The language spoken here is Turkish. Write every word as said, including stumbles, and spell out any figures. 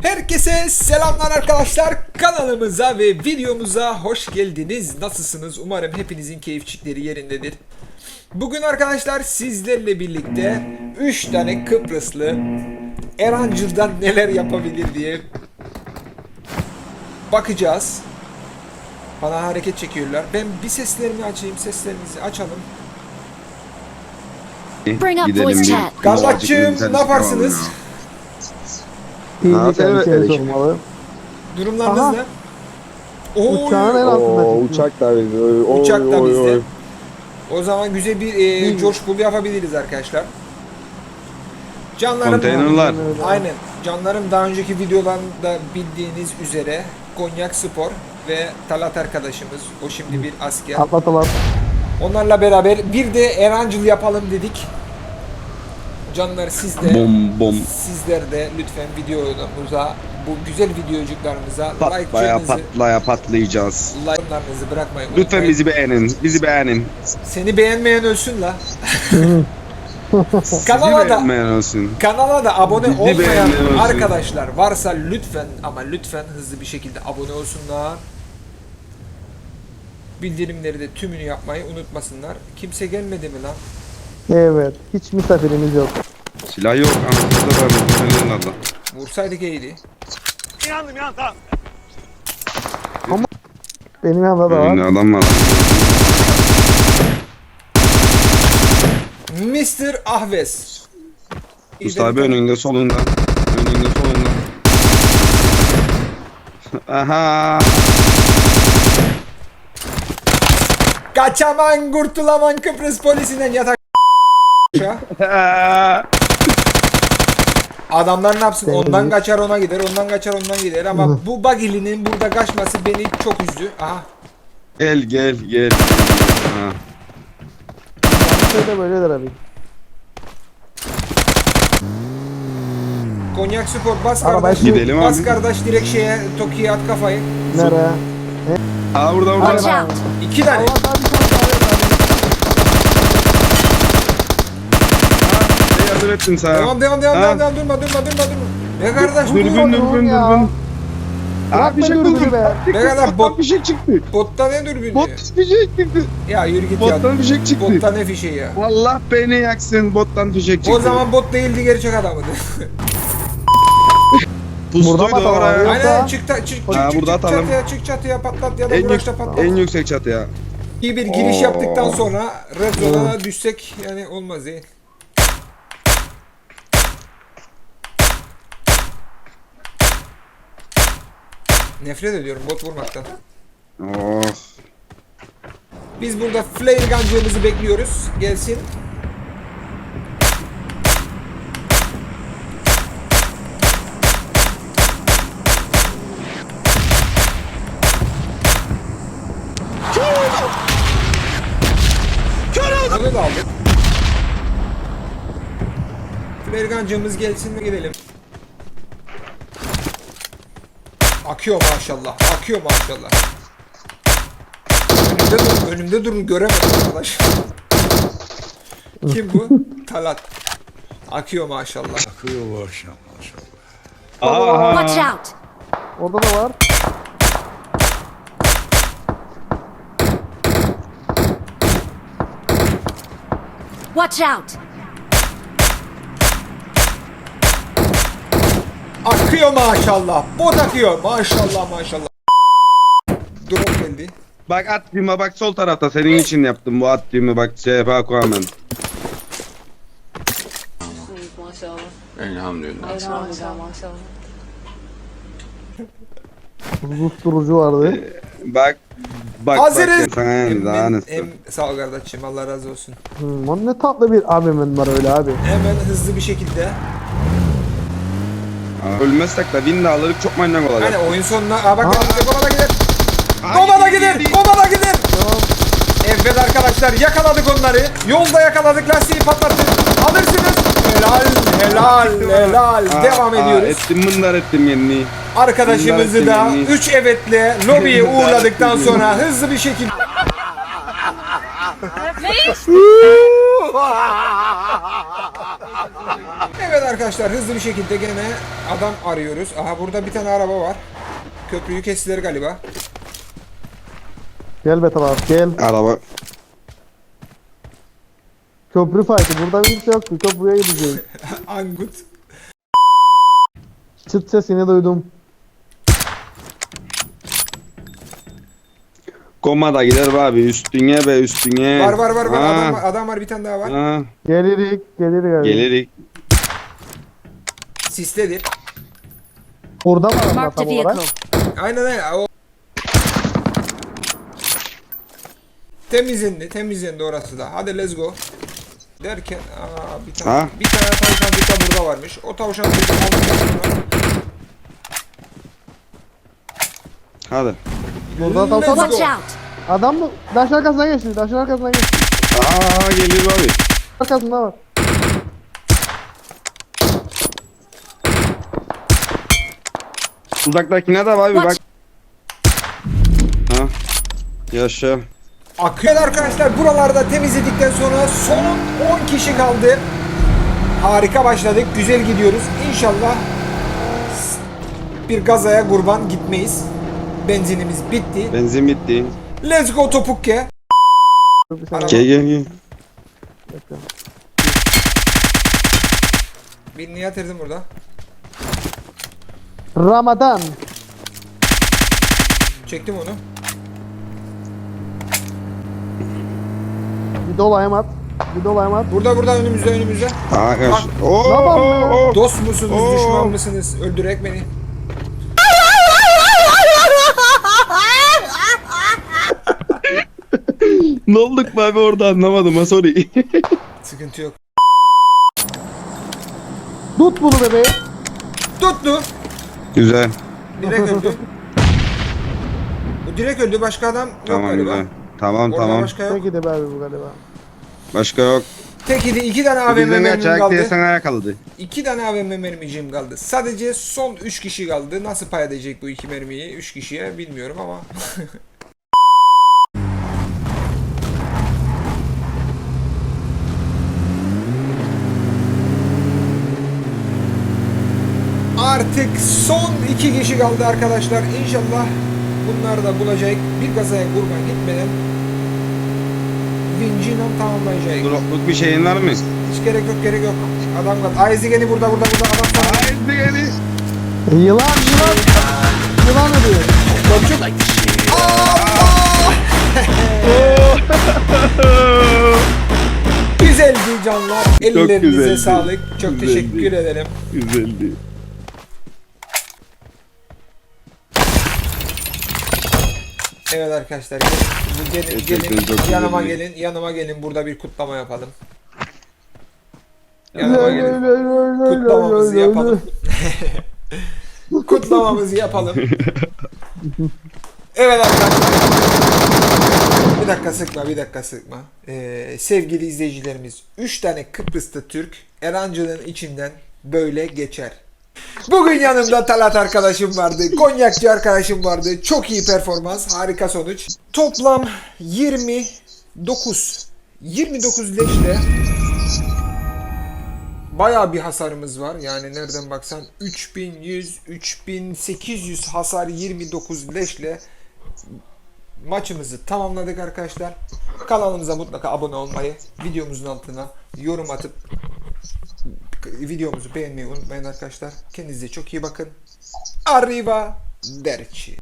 Herkese selamlar arkadaşlar, kanalımıza ve videomuza hoş geldiniz. Nasılsınız? Umarım hepinizin keyifçikleri yerindedir. Bugün arkadaşlar sizlerle birlikte üç tane Kıbrıslı Erancıl'dan neler yapabilir diye bakacağız. Bana hareket çekiyorlar. Ben bir seslerimi açayım, seslerinizi açalım. Bring up Gidelim voice bir- chat. Kardeşim ne yaparsınız? Ha, İyilik evet, erkeğe evet. sormalı. Durumlarınız Aha. ne? Oy, Uçağın en Oo, altında çıktı. uçak da bizde. Oy, oy, Uçak da oy, bizde. oy. O zaman güzel bir e, Hmm. coşkulu yapabiliriz arkadaşlar. Canlarım, Konteynerlar. aynen. Canlarım daha önceki videolarında bildiğiniz üzere Konyak Spor ve Talat arkadaşımız. O şimdi bir asker. Atlatılan. Onlarla beraber bir de Erancıl yapalım dedik. Canlar siz de Bom bom. sizler de lütfen videomuza, bu güzel videocuklarımıza Patlaya like'larınızı, patlaya patlayacağız. like'larınızı bırakmayın. Lütfen unutmayın. bizi beğenin. Bizi beğenin. Seni beğenmeyen ölsün la. Sizi Kanala da beğenmeyen olsun. Kanala da abone Bizi olmayan beğenmeyen olsun. arkadaşlar varsa lütfen ama lütfen hızlı bir şekilde abone olsunlar. Bildirimleri de tümünü yapmayı unutmasınlar. Kimse gelmedi mi lan? Evet. Hiç misafirimiz yok. Silah yok. Anahtarda var. Konteynerlarda. Vursaydık iyiydi. Benim yanımda da Önünde var. adam var. mister Ahves. Mustafa abi önünde solunda. Önünde solunda. Aha. Kaçaman kurtulaman Kıbrıs polisinden yatak. Adamlar ne yapsın? Ondan kaçar ona gider, ondan kaçar ondan gider ama bu Bagili'nin burada kaçması beni çok üzdü. Aha. Gel gel gel. Ha. Şöyle böyledir abi. Konyak Spor bas Arabaya kardeş. gidelim Bas abi. kardeş direkt şeye Toki'ye at kafayı. Nereye? Aa burada Watch burada. out. İki tane. Allah daha bir tane daha yok Ne yardım ettim sana. Devam devam devam Ha. devam devam durma durma durma durma. Ne kardeş Dürbün bu? dürbün ya. dürbün. Bırak Aa bir be şey dürbünü buldum. be. Ne kadar bot, Bir şey çıktı. botta ne dürbünü? Bot bir şey çıktı. Ya yürü git ya. Bottan bir şey çıktı. Botta ne fişeği ya? Allah beni yaksın, bottan fişek çıktı. O zaman bot değildi gerçek adamıydı. Pustuydu Burada mı oraya. atalım? Aynen çık ta- çık çık Ha, çık, burada çık atalım. çatıya çık çatıya patlat ya da En, yük, uğraşta patlat. en yüksek çatıya. İyi bir giriş Oo. yaptıktan sonra red zone'a düşsek yani olmaz değil. Nefret ediyorum bot vurmaktan. Oh. Biz burada flare gun'cığımızı bekliyoruz. Gelsin. Bunu da aldık. Flare gun'cığımız gelsin ve gidelim. Akıyor maşallah. Akıyor maşallah. Önümde dur, önümde durun göremedim arkadaş. Kim bu? Talat. Akıyor maşallah. Watch Aha. out. Orada da var. Watch out. Akıyor maşallah. Bot akıyor. Maşallah maşallah. Drop geldi. Bak at düğme bak sol tarafta senin için yaptım bu at düğme bak C H P Aquaman. Maşallah. Elhamdülillah. Elhamdülillah maşallah. Susturucu vardı. Bak bak Hazırız. bak sana yani daha Em, nasıl. em, sağ ol kardeşim. Allah razı olsun. Hmm, o ne tatlı bir abimin var öyle abi. Hemen hızlı bir şekilde. Aa, Ölmezsek de win de alırız çok manyak olacak. Hani oyun sonuna. Aa bak Aa. önümüzde Goma da gider. Aa, Goma da gidiyor, gider. gidiyor. Goma da gider. Evet arkadaşlar yakaladık onları. Yolda yakaladık. Lastiği patlattık. Alırsınız. Helal helal helal. Aa, Devam aa, ediyoruz. Ettim mındar ettim yenini. Arkadaşımızı da Bunlar üç evetle lobiye Bunlar uğurladıktan ettim. sonra hızlı bir şekilde Evet arkadaşlar hızlı bir şekilde gene adam arıyoruz. Aha burada bir tane araba var. Köprüyü kestiler galiba. Gel be abi gel. Araba. Köprü fight'ı. Burada bir şey yoktu. Köprüye gideceğiz. Angut. Çıt sesini duydum. Koma da gider be abi. Üstüne be üstüne. Var var var var. Ha, Adam, var- adam var bir tane daha var. ha. Gelirik. Gelirik abi. Gelirik. Sisledir. Burada var ama Marked a tam olarak. vehicle. Aynen aynen. O... Temizlendi, temizlendi orası da. Hadi let's go. Derken aa bir tane Ha? bir tane tavşancık da burada varmış. O tavşancık da Hadi. Burada tam tam. Watch out! Adam mı? Daşın arkasından geçti. Daşın arkasından geçti. Aa gelir abi. Arkasında var. Uzaktakine de var abi bak. Watch. Ha. Yaşa. akıyor arkadaşlar. Buralarda temizledikten sonra son on kişi kaldı. Harika başladık. Güzel gidiyoruz. İnşallah bir gazaya kurban gitmeyiz. Benzinimiz bitti. Benzin bitti. Let's go topukke. Bir saniye. Gel gel gel. Birini yatırdım burada. Ramazan. Çektim onu. Bir dolayım at. Bir dolayım at. Burada burada önümüzde önümüzde. Aa kaç. Oo, Ne yapalım oo, ya? oo. Dost musunuz, Oo. düşman mısınız? Öldürek beni. Ne olduk be abi orada anlamadım ha sorry. Sıkıntı yok. Tut bunu bebeğim. Tuttu. Güzel. Direkt öldü. Bu direkt öldü. Başka adam yok Tamam galiba. güzel. Tamam Orada tamam. başka yok. Peki de be abi bu galiba. Başka yok. Tek idi. iki tane A V M Bizden mermim kaçacak diye kaldı. sana yakaladı. İki tane A V M mermicim kaldı. Sadece son üç kişi kaldı. Nasıl pay edecek bu iki mermiyi üç kişiye bilmiyorum ama. Artık son iki kişi kaldı arkadaşlar. İnşallah bunlar da bulacak. Bir gazaya kurban gitmeden Vinci'yle tamamlayacak. Dropluk bir şeyin var mı? Hiç gerek yok gerek yok. Adam kaldı. Aizigen'i burada burada burada adam kaldı. Haydi geli. Yılan yılan. Yılan ödüyor. Güzeldi canlar. Ellerinize güzeldi. sağlık. Çok Güzeldi. teşekkür ederim. Güzeldi. Evet arkadaşlar gelin, gelin, Gerçekten gelin çok yanıma güzeldi. gelin, yanıma gelin. Burada bir kutlama yapalım. Yanıma gelin. Kutlamamızı yapalım. Kutlamamızı yapalım. Evet arkadaşlar. Bir dakika sıkma, bir dakika sıkma. Ee, sevgili izleyicilerimiz, üç tane Kıbrıslı Türk Erancı'nın içinden böyle geçer. Bugün yanımda Talat arkadaşım vardı, Konyakçı arkadaşım vardı. Çok iyi performans, harika sonuç. Toplam yirmi dokuz. yirmi dokuz leşle bayağı bir hasarımız var. Yani nereden baksan üç bin yüz, üç bin sekiz yüz hasar yirmi dokuz leşle maçımızı tamamladık arkadaşlar. Kanalımıza mutlaka abone olmayı, videomuzun altına yorum atıp videomuzu beğenmeyi unutmayın arkadaşlar. Kendinize çok iyi bakın. Arriva derci.